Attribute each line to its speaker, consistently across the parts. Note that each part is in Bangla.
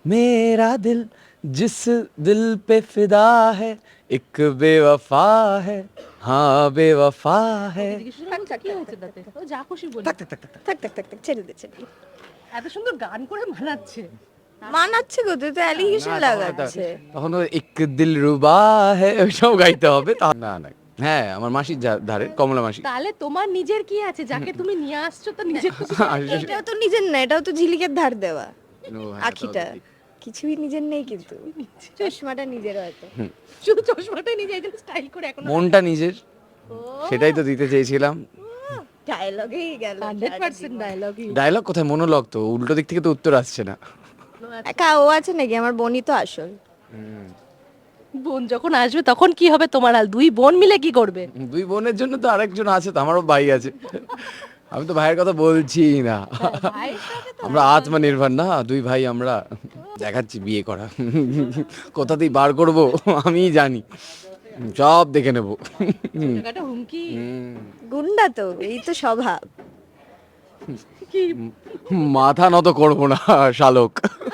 Speaker 1: मेरा दिल जिस दिल पे फिदा है एक बेवफा है हाँ बेवफा है
Speaker 2: কি হয়েছে তাতে ও যা খুশি বলি
Speaker 1: থাক থাক থাক থাক থাক।
Speaker 3: থাক থাক থাক থাক ছেড়ে দে ছেড়ে দে।
Speaker 2: এত সুন্দর গান করে মানাচ্ছে
Speaker 3: মানাচ্ছে গো, তুই তো অ্যালিগেশন
Speaker 1: না,
Speaker 3: লাগাচ্ছে।
Speaker 1: তখন তো এক দিল রুবা হে ওইসব গাইতে হবে না না হ্যাঁ আমার মাসির ধারে কমলা মাসি
Speaker 2: তাহলে তোমার নিজের কি আছে যাকে তুমি নিয়ে আসছো তো নিজের খুশি
Speaker 3: এটাও তো নিজের না, এটাও তো ঝিলিকের ধার দেওয়া।
Speaker 1: ও, হ্যাঁ,
Speaker 3: আখিটা
Speaker 1: তাও তো ঠিক।
Speaker 3: কিছুই নিজের নেই, কিন্তু চশমাটা নিজের হয়তো।
Speaker 2: শুধু চশমাটাই নিজে একদম স্টাইল করে এখন
Speaker 1: মনটা নিজের সেটাই তো দিতে চেয়েছিলাম।
Speaker 3: ডায়লগেই গেল
Speaker 2: 100% ডায়লগই
Speaker 1: ডায়লগ কোথায় মনোলগ তো উল্টো দিক থেকে তো উত্তর আসছে না।
Speaker 3: একা ও আছে নাকি? আমার বোনই তো আসল।
Speaker 2: বোন যখন আসবে তখন কি হবে তোমার হাল? দুই বোন মিলে কি করবে?
Speaker 1: দুই বোনের জন্য তো আরেকজন আছে তো, আমারও ভাই আছে। আমি তো ভাইয়ের কথা বলছি না,
Speaker 2: ভাইয়ের সাথে তো
Speaker 1: আমরা আত্মনির্ভর না, দুই ভাই আমরা। দেখাচ্ছি বিয়ে করা কোথাতেই বার করব আমি জানি, সব দেখে নেব।
Speaker 2: জায়গাটা হুমকি
Speaker 3: গুন্ডা তো, এই তো স্বভাব।
Speaker 2: কি
Speaker 1: মাথা নত করব না শালক।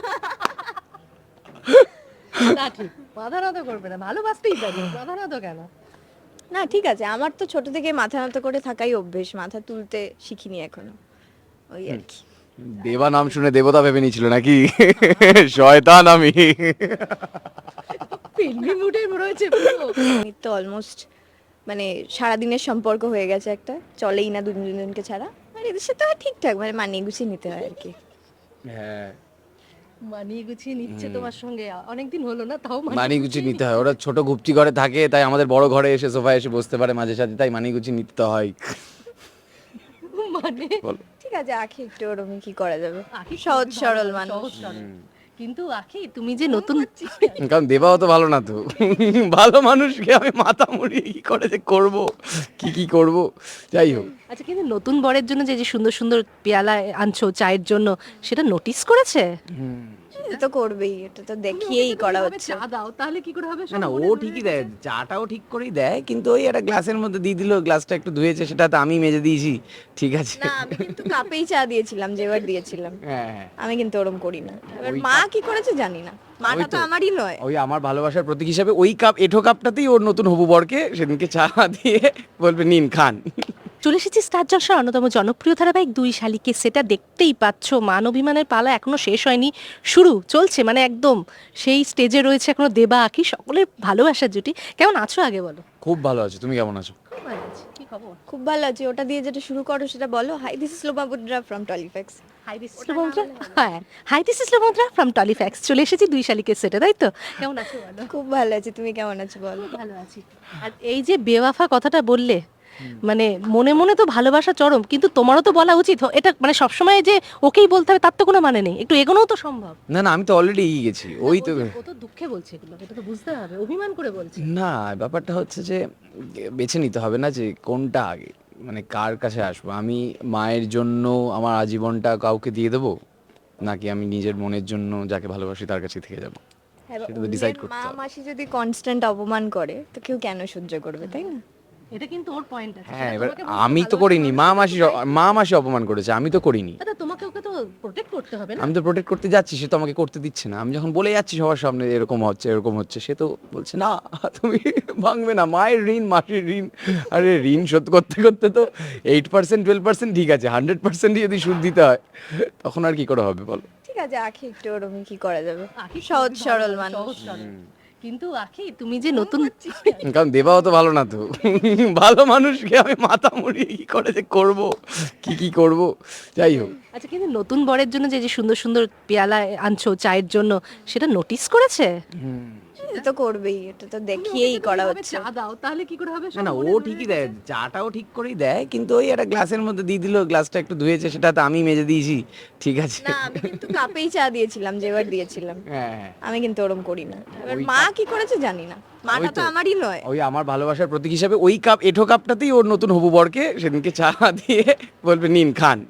Speaker 2: না ঠিক মাথা নত করবে না, ভালোবাসতেই পারি, মাথা নত কেন?
Speaker 3: না ঠিক আছে, আমার তো ছোট থেকে মাথা নত করে থাকাই অভ্যেস, মাথা তুলতে শিখিনি এখনো, ওই আর কি।
Speaker 1: দেবা নাম শুনে দেবতা ভেবে নিয়েছিল নাকি? শয়তান আমি।
Speaker 2: ফিল্মি মুডে রয়েছে পুরো।
Speaker 3: আমি তো অলমোস্ট মানে সারাদিনের সম্পর্ক হয়ে গেছে একটা, চলেই না দুজনকে ছাড়া। আর এদের সাথে আর ঠিকঠাক মানে মানিয়ে গুছিয়ে নিতে হয় আর কি।
Speaker 1: হ্যাঁ
Speaker 2: মানিয়ে গুছিয়ে নিচ্ছে তোমার সঙ্গে, অনেকদিন হলো না তাও
Speaker 1: মানিয়ে গুছিয়ে নিতে হয়, ওরা ছোট গুপ্তি ঘরে থাকে তাই আমাদের বড় ঘরে এসে সোফায় এসে বসতে পারে মাঝে সাঝে, তাই মানিয়ে গুছিয়ে নিতে হয়।
Speaker 2: মানে
Speaker 1: বলো।
Speaker 3: ঠিক আছে, আখি একটু ওরকম কি করা যাবে,
Speaker 2: আখি
Speaker 3: সহজ
Speaker 2: খুবই
Speaker 3: সরল
Speaker 2: ভালো,
Speaker 3: মানুষ।
Speaker 2: সহজ সরল। কিন্তু আখি তুমি যে নতুন
Speaker 1: কারণ দেবাও তো ভালো না তো, ভালো মানুষকে আমি মাথা মুড়িয়ে কি করে যে করব, কি করব, যাই হোক।
Speaker 2: আচ্ছা কিন্তু নতুন বরের জন্য যে যে সুন্দর সুন্দর পেয়ালা আনছো চায়ের জন্য, সেটা নোটিস করেছে?
Speaker 3: এটা তো করবেই, এটা তো দেখিয়েই করা হচ্ছে।
Speaker 2: চা দাও তাহলে কি করে হবে?
Speaker 1: না না ও ঠিকই দেয়, চাটাও ঠিক করেই দেয়, কিন্তু ওই একটা গ্লাসের মধ্যে দিয়ে দিল, গ্লাসটা একটু ধুয়েছে সেটা তো আমি মেজে দিয়েছি, ঠিক আছে।
Speaker 3: না আমি কিন্তু কাপেই চা দিয়েছিলাম, যেবার দিয়েছিলাম।
Speaker 1: হ্যাঁ হ্যাঁ
Speaker 3: আমি কিন্তু ওরম করি না। এবার
Speaker 1: ওই
Speaker 3: মা কি করেছে জানি না, মাটা
Speaker 1: ওই
Speaker 3: তো
Speaker 1: তো।
Speaker 3: আমারই নয়।
Speaker 1: ওই আমার ভালোবাসার প্রতীক হিসাবে ওই কাপ, এঁঠো কাপটাতেই ওর নতুন হবু বরকে সেদিনকে চা দিয়ে বলবে নিন খান।
Speaker 2: চলে এসেছি স্টার জলসার অন্যতম জনপ্রিয় ধারাবাহিক দুই শালিকে, সেটা দেখতেই পাচ্ছ। মান অভিমানের পালা এখনো শেষ হয়নি, শুরু চলছে, মানে একদম সেই স্টেজে রয়েছে এখনো দেবা আখি, সকলের ভালোবাসার জুটি। কেমন আছো আগে বলো?
Speaker 1: খুব ভালো আছে, তুমি কেমন আছো?
Speaker 2: খুব ভালো আছি, কি খবর?
Speaker 3: খুব ভালো আছে, ওটা দিয়ে যেটা শুরু করো সেটা বলো। হাই, দিস ইজ লোমা বুদ্রা ফ্রম টলিফ্যাক্স।
Speaker 2: হাই দিস ইজ লোমন্দ্রা, হ্যাঁ হাই দিস ইজ লোমন্দ্রা ফ্রম টলিফ্যাক্স। চলে এসেছি দুই শালিকের সেটে, তাই তো? কেমন আছো বলো?
Speaker 3: খুব ভালো আছি, তুমি কেমন আছো বলো।
Speaker 2: ভালো আছি। আর এই যে বেওয়াফা কথাটা বললে, মানে মনে মনে তো ভালোবাসা চরম, কিন্তু তোমারও তো বলা উচিত। এটা মানে সবসময় যে ওকেই বলতে হবে তার তো কোনো মানে নেই, একটু এগোনোও তো সম্ভব।
Speaker 1: না না আমি তো অলরেডি এগিয়ে গেছি, ওই তো।
Speaker 2: ও তো দুঃখে বলছে এগুলো, এটা তো বুঝতে হবে, অভিমান করে বলছে।
Speaker 1: না ব্যাপারটা হচ্ছে যে বেছে নিতে হবে না যে কোনটা আগে, মানে কার কাছে আসবো আমি। মায়ের জন্য আমার আজীবনটা কাউকে দিয়ে দেবো, নাকি আমি নিজের মনের জন্য যাকে ভালোবাসি তার কাছে থেকে যাবো,
Speaker 3: হ্যাঁ,
Speaker 1: সেটা তো decide করতে
Speaker 3: মা
Speaker 1: হবে।
Speaker 3: মাসি যদি কনস্ট্যান্ট অপমান করে তো কেউ কেন সহ্য করবে, তাই না?
Speaker 2: এটা কিন্তু ওর পয়েন্ট আছে।
Speaker 1: হ্যাঁ
Speaker 2: সেটা
Speaker 1: এবার
Speaker 2: তোমাকে বলতে
Speaker 1: আমি তো
Speaker 2: ভালোবাসে
Speaker 1: করিনি,
Speaker 2: মানুষ কিন্তু তাই।
Speaker 1: মা মাসি অপমান করেছে, আমি তো করিনি।
Speaker 2: দাদা তোমাকে ওকে তো প্রোটেক্ট করতে হবে না?
Speaker 1: আমি তো প্রোটেক্ট করতে যাচ্ছি, সে তো আমাকে করতে দিচ্ছে না। আমি যখন বলে যাচ্ছি সবার সামনে এরকম হচ্ছে এরকম হচ্ছে, সে তো বলছে না তুমি ভাঙবে না, মায়ের ঋণ মাসির ঋণ। আরে ঋণ শোধ করতে করতে তো 8% 12% ঠিক আছে, 100% যদি সুদ দিতে হয় তখন আর কি করে হবে বলো।
Speaker 3: ঠিক আছে, আখি একটু ওরকম কি করা যাবে,
Speaker 2: আখি
Speaker 3: সহজ
Speaker 2: খুবই
Speaker 3: সরল
Speaker 2: ভালো,
Speaker 3: মানুষ।
Speaker 2: সহজ সরল। কিন্তু আখি তুমি যে নতুন
Speaker 1: কারণ দেবাও তো ভালো না তো, ভালো মানুষকে আমি মাথা মুড়িয়ে কি করে যে করব, কি করব, যাই হোক।
Speaker 2: আচ্ছা কিন্তু নতুন বরের জন্য যে যে সুন্দর সুন্দর পেয়ালা আনছো চায়ের জন্য, সেটা নোটিস করেছে?
Speaker 3: এটা তো করবেই, এটা তো দেখিয়েই করা হচ্ছে।
Speaker 2: চা দাও তাহলে কি করে হবে?
Speaker 1: না না ও ঠিকই দেয়, চাটাও ঠিক করেই দেয়, কিন্তু ওই একটা গ্লাসের মধ্যে দিয়ে দিল, গ্লাসটা একটু ধুয়েছে সেটা তো আমি মেজে দিয়েছি, ঠিক আছে।
Speaker 3: না আমি কিন্তু কাপেই চা দিয়েছিলাম, যেবার দিয়েছিলাম।
Speaker 1: হ্যাঁ হ্যাঁ
Speaker 3: আমি কিন্তু ওরম করি না। এবার
Speaker 1: ওই
Speaker 3: মা কি করেছে জানি না, মাটা
Speaker 1: ওই
Speaker 3: তো
Speaker 1: তো।
Speaker 3: আমারই নয়।
Speaker 1: ওই আমার ভালোবাসার প্রতীক হিসাবে ওই কাপ, এঁঠো কাপটাতেই ওর নতুন হবু বরকে সেদিনকে চা দিয়ে বলবে নিন খান।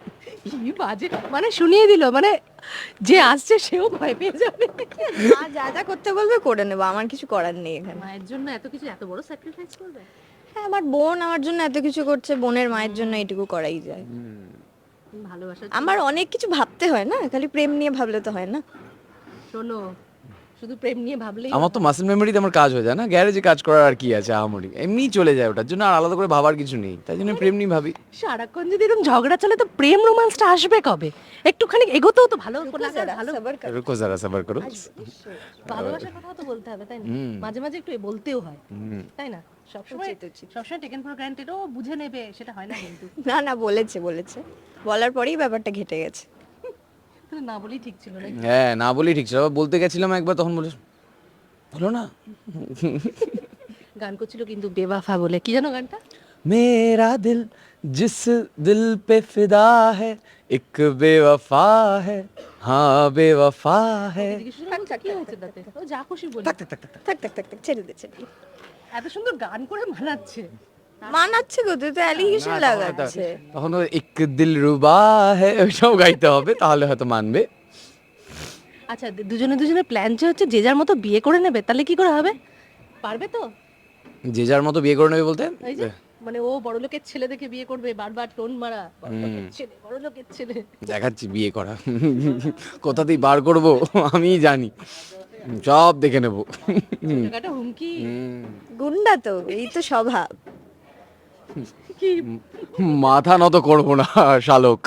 Speaker 2: কি বাজে, মানে শুনিয়ে দিল, মানে যে আসছে সেও ভয় পেয়ে যাবে।
Speaker 3: মা যা যা করতে বলবে করে নেবো, আমার কিছু করার নেই এখানে।
Speaker 2: মায়ের জন্য এত কিছু, এত বড় স্যাক্রিফাইস করবে?
Speaker 3: হ্যাঁ, আমার বোন আমার জন্য এত কিছু করছে, বোনের মায়ের জন্য এইটুকু করাই যায়।
Speaker 2: ভালোবাসা
Speaker 3: আমার অনেক কিছু ভাবতে হয় না, খালি প্রেম নিয়ে ভাবলে তো হয় না।
Speaker 2: শোনো, শুধু প্রেম নিয়ে ভাবলেই
Speaker 1: আমার তো মাসেল মেমোরিতে আমার কাজ হয়ে যায় না, গ্যারেজে কাজ করার আর কি আছে আহামরি, এমনিই চলে যায়, ওটার জন্য আর আলাদা করে ভাবার কিছু নেই, তাই জন্য প্রেম নিয়ে ভাবি।
Speaker 2: সারাক্ষণ যদি এরকম ঝগড়া চলে তো প্রেম রোমান্সটা আসবে কবে? একটুখানি এগোতেও তো ভালো লাগে,
Speaker 3: जरा
Speaker 2: ভালো
Speaker 3: सबर कर
Speaker 1: রুকো যারা সাবার করো।
Speaker 2: ভালোবাসার কথা তো বলতে হবে, তাই না? মাঝে মাঝে একটু বলতেও হয়, তাই না? সবসময়
Speaker 3: উচিত, উচিত।
Speaker 2: সবসময় টেকেন ফর গ্রান্টেড ও বুঝে নেবে সেটা হয় না কিন্তু।
Speaker 3: না না বলেছে বলেছে বলার পরেই ব্যাপারটা ঘেটে গেছে।
Speaker 2: তাহলে না বলেই ঠিক ছিল না?
Speaker 1: হ্যাঁ, না বলি ঠিক ছিল, আবার বলতে গেছিলাম একবার, তখন বলে বলো না।
Speaker 2: গান করছিল কিন্তু বেওয়াফা বলে, কি জানো গানটা?
Speaker 1: मेरा दिल जिस दिल पे फिदा है एक बेवफा है, हाँ बेवफा है।
Speaker 2: জিজ্ঞেস করলাম, কি হয়েছে তাতে? ও যা খুশি বলে,
Speaker 3: থাক থাক থাক থাক ছেড়ে দে ছেড়ে দে।
Speaker 2: এত সুন্দর গান করে মানাচ্ছে।
Speaker 3: মানাচ্ছে গো, তুই তো অ্যালিগেশন লাগাচ্ছে।
Speaker 1: তখন ও এক দিল রুবা है ওইটাও গাইতে হবে, তাহলে হয়তো মানবে।
Speaker 2: আচ্ছা, দুজনে দুজনে প্ল্যান যে হচ্ছে যে যার মতো বিয়ে করে নেবে, তাহলে কি করে হবে? পারবে তো?
Speaker 1: যে যার মতো বিয়ে করে নেবে বলতে,
Speaker 2: এই যে মানে ও বড় লোকের ছেলে দেখে বিয়ে করবে, বারবার টোন মারা, বড় লোকের ছেলে, বড় লোকের ছেলে।
Speaker 1: দেখাচ্ছি বিয়ে করা কোথাতেই বার করব আমি জানি, সব দেখে নেব।
Speaker 2: জায়গাটা হুমকি
Speaker 3: গুন্ডা তো, এই তো স্বভাব।
Speaker 2: কি?
Speaker 1: মাথা নত করবো না শালক।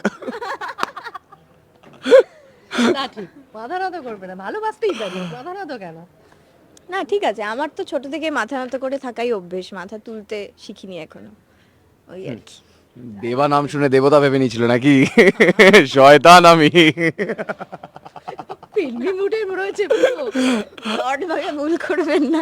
Speaker 2: না ঠিক, মাথা নত করবে না, ভালোবাসতেই পারি, মাথা নত কেন?
Speaker 3: না ঠিক আছে, আমার তো ছোট থেকে মাথা নত করে থাকাই অভ্যেস, মাথা তুলতে শিখিনি এখনো, ওই আর কি।
Speaker 1: দেবা নাম শুনে দেবতা ভেবে নিয়েছিল নাকি? শয়তান আমি।
Speaker 2: ফিল্মি মুডে রয়েছে পুরো।
Speaker 3: লর্ড ভাবে ভুল করবেন না।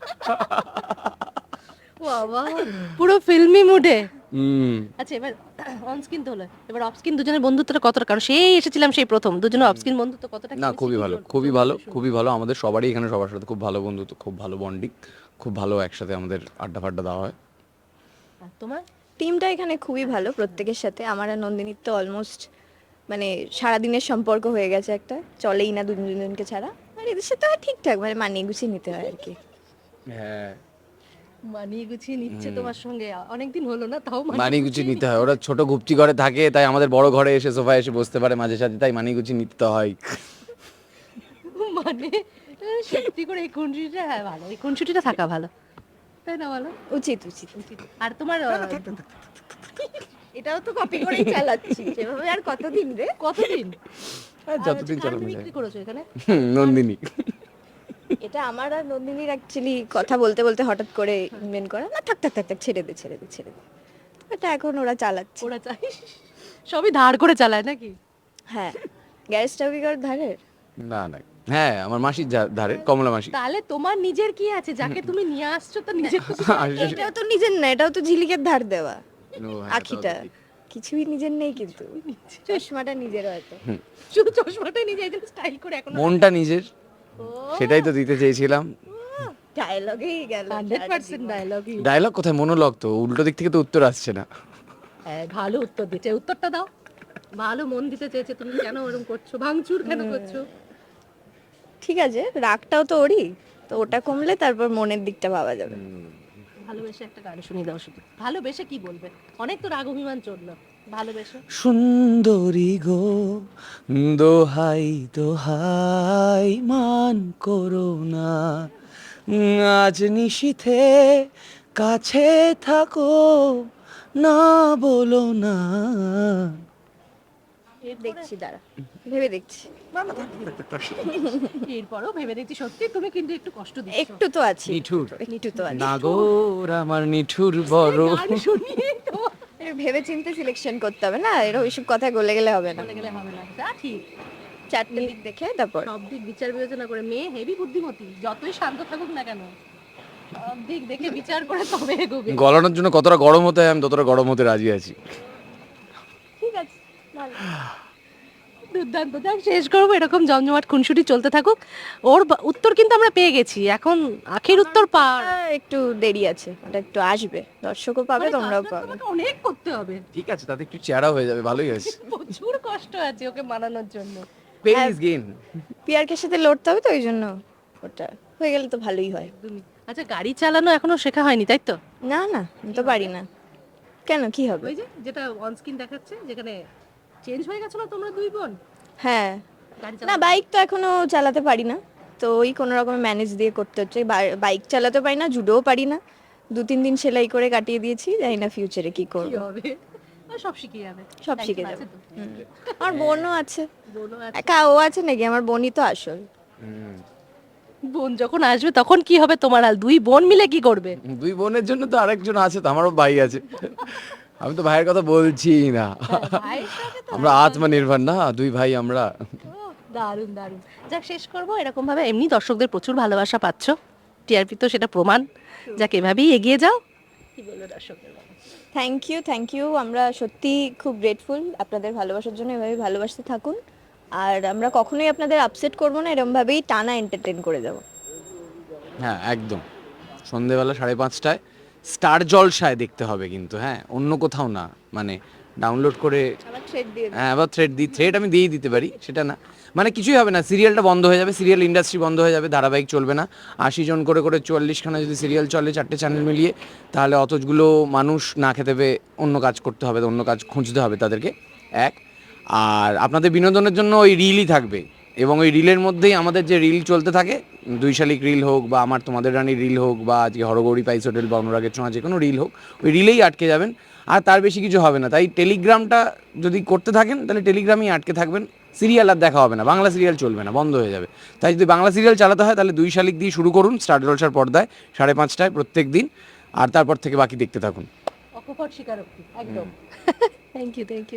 Speaker 2: বাবা, পুরো ফিল্মি মুডে।
Speaker 1: হুম।
Speaker 2: আচ্ছা, এবার অন স্ক্রিন তো হলো, এবার অফ স্ক্রিন দুজনের বন্ধুত্বটা কতটা, কারণ সেই এসেছিলাম সেই প্রথম, দুজনের অফ স্ক্রিন বন্ধুত্ব কতটা?
Speaker 1: না খুবই ভালো, খুবই ভালো, খুবই ভালো, আমাদের সবারই এখানে সবার সাথে খুব ভালো বন্ধুত্ব, খুব ভালো বন্ডিং, খুব ভালো একসাথে আমাদের আড্ডা ফাড্ডা দেওয়া হয়।
Speaker 2: আর তোমার?
Speaker 3: টিমটা এখানে খুবই ভালো প্রত্যেকের সাথে। আমার আর নন্দিনীর তো অলমোস্ট মানে সারাদিনের সম্পর্ক হয়ে গেছে একটা, চলেই না দুজনকে ছাড়া। আর এদের সাথে আর ঠিকঠাক মানে মানিয়ে গুছিয়ে নিতে হয় আর কি।
Speaker 1: হ্যাঁ,
Speaker 2: মানিয়ে গুছিয়ে নিচ্ছে তোমার সঙ্গে, অনেকদিন হলো না তাও
Speaker 1: মানিয়ে গুছিয়ে নিতে হয়, ওরা ছোট গুপচি ঘরে থাকে, তাই আমাদের বড় ঘরে এসে সোফায় এসে বসতে পারে মাঝে সাঝে, তাই মানিয়ে গুছিয়ে নিতে হয়।
Speaker 2: মানে সত্যি করে এই খুনসুটিটা, হ্যাঁ ভালো, এই খুনসুটিটা থাকা ভালো, তাই না? ভালো,
Speaker 3: উচিত উচিত।
Speaker 2: আর তোমার
Speaker 3: এটাও তো কপি করেই চালাচ্ছি সেভাবে, আর কতদিন রে।
Speaker 2: কতদিন
Speaker 1: হ্যাঁ, যতদিন
Speaker 2: কার
Speaker 1: চালানো যায়।
Speaker 2: বিক্রি করেছো এখানে?
Speaker 1: নন্দিনী।
Speaker 3: এটা আমার আর নন্দিনীর অ্যাকচুয়ালি কথা বলতে বলতে হঠাৎ করে ইনভেন্ট করা। না থাক থাক থাক থাক ছেড়ে দে ছেড়ে দে ছেড়ে দে। এটা এখন ওরা চালাচ্ছে।
Speaker 2: ওরা চাই সবই ধার করে চালায় নাকি?
Speaker 3: হ্যাঁ, গ্যারেজটাও কি কারোর ধারের?
Speaker 1: না না, হ্যাঁ আমার মাসির ধারে, কমলা মাসি।
Speaker 2: তাহলে তোমার নিজের কি আছে, যাকে তুমি নিয়ে আসছো তো নিজের তো
Speaker 3: এটাও তো নিজের না, এটাও তো ঝিলিকের ধার দেওয়া।
Speaker 1: ও, হ্যাঁ,
Speaker 3: আখিটা
Speaker 1: তাও তো ঠিক।
Speaker 3: কিছুই নিজের নেই, কিন্তু চশমাটা নিজের হয়তো।
Speaker 2: শুধু চশমাটাই নিজে এই স্টাইল করে এখন
Speaker 1: মনটা নিজের, সেটাই তো দিতে চেয়েছিলাম।
Speaker 3: ডায়লগেই গেল
Speaker 2: 100% ডায়লগই।
Speaker 1: ডায়লগ কোথায়, মনোলগ তো, উল্টো দিক থেকে তো উত্তর আসছে না।
Speaker 2: হ্যাঁ, ভালো উত্তর দিতে, উত্তরটা দাও। ভালো মন দিতে চেয়েছে, তুমি কেন ওরকম করছো, ভাঙচুর কেন করছো?
Speaker 3: ঠিক আছে, রাগটাও তো ওরই, তো ওটা কমলে তারপর মনের দিকটা ভাবা যাবে।
Speaker 2: ভালোবেসে একটা গান শুনিয়ে দাও শুধু। ভালোবেসে কি বলবে? অনেক তো রাগ অভিমান চললো, ভালোবেসে।
Speaker 1: সুন্দরী গো, দোহাই দোহাই মান করো না, আজ নিশীথে কাছে থাকো, না বলো না।
Speaker 3: দেখছি দাঁড়া, ভেবে দেখছি।
Speaker 2: এরপরও ভেবে দেখছি, সত্যি তুমি কিন্তু একটু কষ্ট দিচ্ছ।
Speaker 3: একটু তো আছি,
Speaker 1: নিঠুর
Speaker 3: একটু তো আছি।
Speaker 1: নাগর আমার নিঠুর বড়।
Speaker 2: গান শুনিয়ে তো
Speaker 3: ভেবে চিন্তে সিলেকশন করতে হবে না, এরকম এইসব কথায় গলে গেলে হবে না।
Speaker 2: বলে গেলে হবে না, তা ঠিক।
Speaker 3: চারটে দিক দেখে তারপর
Speaker 2: সব দিক বিচার বিবেচনা করে, মেয়ে হেভি বুদ্ধিমতী, যতই শান্ত থাকুক না কেন সব দিক দেখে বিচার করে তবে এগোবে।
Speaker 1: গলানোর জন্য কতটা গরম হতে হয় আমি ততটা গরম হতে রাজি আছি।
Speaker 3: ঠিক আছে ভালো।
Speaker 2: দুর্দান্ত, যাক শেষ করবো, এরকম জমজমাট খুনসুটি চলতে থাকুক। ওর উত্তর কিন্তু আমরা পেয়ে গেছি, এখন আখের উত্তর পাওয়ার
Speaker 3: একটু দেরি আছে, ওটা একটু আসবে, দর্শকও পাবে
Speaker 2: মানে
Speaker 3: তোমরাও
Speaker 2: কাজটা
Speaker 3: পাবে।
Speaker 2: তোমাকে অনেক করতে হবে,
Speaker 1: ঠিক আছে, তাতে একটু চেহারা হয়ে যাবে, ভালোই আছে।
Speaker 2: প্রচুর কষ্ট আছে ওকে মানানোর জন্য।
Speaker 1: Pen is gain.
Speaker 3: পিয়ারকে সাথে লড়তে হবে তো, ওই জন্য ওটা হয়ে গেলে তো ভালোই হয়।
Speaker 2: একদমই। আচ্ছা, গাড়ি চালানো এখনো শেখা হয়নি তাই তো?
Speaker 3: না না, আমি তো পারি না। কেন, কি হবে?
Speaker 2: ওই যে যেটা অন স্ক্রিন দেখাচ্ছে, যেখানে চেঞ্জ হয়ে গেছো না তোমরা দুই বোন,
Speaker 3: হ্যাঁ, না বাইক তো এখনো চালাতে পারি না, তো ওই কোনো রকমের ম্যানেজ দিয়ে করতে হচ্ছে। বাইক চালাতে পারি না, জুডোও পারি না, 2-3 দিন সেলাই করে কাটিয়ে দিয়েছি, জানি না ফিউচারে কি করব।
Speaker 2: হবে সব শিখে যাবে,
Speaker 3: সব শিখে
Speaker 2: Time
Speaker 3: যাবে।
Speaker 2: আছে তো।
Speaker 3: আমার বোনও আছে,
Speaker 2: বোনও আছে।
Speaker 3: একা ও আছে নাকি, আমার বোনই তো আসল।
Speaker 2: বোন যখন আসবে তখন কি হবে তোমার হাল? দুই বোন মিলে কি করবে?
Speaker 1: দুই বোনের জন্য তো আরেকজন আছে, তো আমারও ভাই আছে। আমি তো ভাইয়ের কথা বলছি না, আমরা আত্মনির্ভর না, দুই ভাই আমরা।
Speaker 2: দারুণ দারুণ। যাক, শেষ করবো এরকম ভাবে, এমনি দর্শকদের প্রচুর ভালোবাসা পাচ্ছ, টিআরপি তো সেটা প্রমাণ। যাক, এভাবেই এগিয়ে যাও। কি বলবো দর্শকদের বলো?
Speaker 3: থ্যাংক ইউ, আমরা সত্যি খুব গ্রেটফুল আপনাদের ভালোবাসার জন্য, এভাবে ভালোবাসতে থাকুন। আর আমরা কখনোই আপনাদের আপসেট করবো না, এরমভাবেই টানা এন্টারটেন করে যাবো।
Speaker 1: হ্যাঁ একদম, সন্ধেবেলা 5:30টায় স্টার জলসায় দেখতে হবে কিন্তু, হ্যাঁ অন্য কোথাও না। মানে ডাউনলোড করে,
Speaker 3: আবার থ্রেড দিয়ে দিন।
Speaker 1: হ্যাঁ আবার থ্রেড আমি দিয়েই দিতে পারি, সেটা না। মানে কিছুই হবে না, সিরিয়ালটা বন্ধ হয়ে যাবে, সিরিয়াল ইন্ডাস্ট্রি বন্ধ হয়ে যাবে, ধারাবাহিক চলবে না। 80 জন করে 44খানা যদি সিরিয়াল চলে 4টে চ্যানেল মিলিয়ে, তাহলে অতগুলো মানুষ না খেতে পেয়ে অন্য কাজ করতে হবে, অন্য কাজ খুঁজতে হবে তাদেরকে। এক, আর আপনাদের বিনোদনের জন্য ওই রিলই থাকবে, এবং ওই রিলের মধ্যেই আমাদের যে রিল চলতে থাকে, 2 শালিক রিল হোক বা আমার তোমাদের রানী রিল হোক বা আজকে হরগৌরী পাইস হোটেল বা অনুরাগের ছোঁয়া, যে কোনো রিল হোক, ওই রিলেই আটকে যাবেন। আর তার বেশি কিছু হবে না। তাই টেলিগ্রামটা যদি করতে থাকেন তাহলে টেলিগ্রামেই আটকে থাকবেন, সিরিয়াল আর দেখা হবে না, বাংলা সিরিয়াল চলবে না, বন্ধ হয়ে যাবে। তাই যদি বাংলা সিরিয়াল চালাতে হয় তাহলে 2 শালিক দিয়ে শুরু করুন, স্টার জলসার পর্দায় 5:30টায় প্রত্যেক দিন, আর তারপর থেকে বাকি দেখতে থাকুন।
Speaker 2: অকপট স্বীকারোক্তি একদম। Thank you.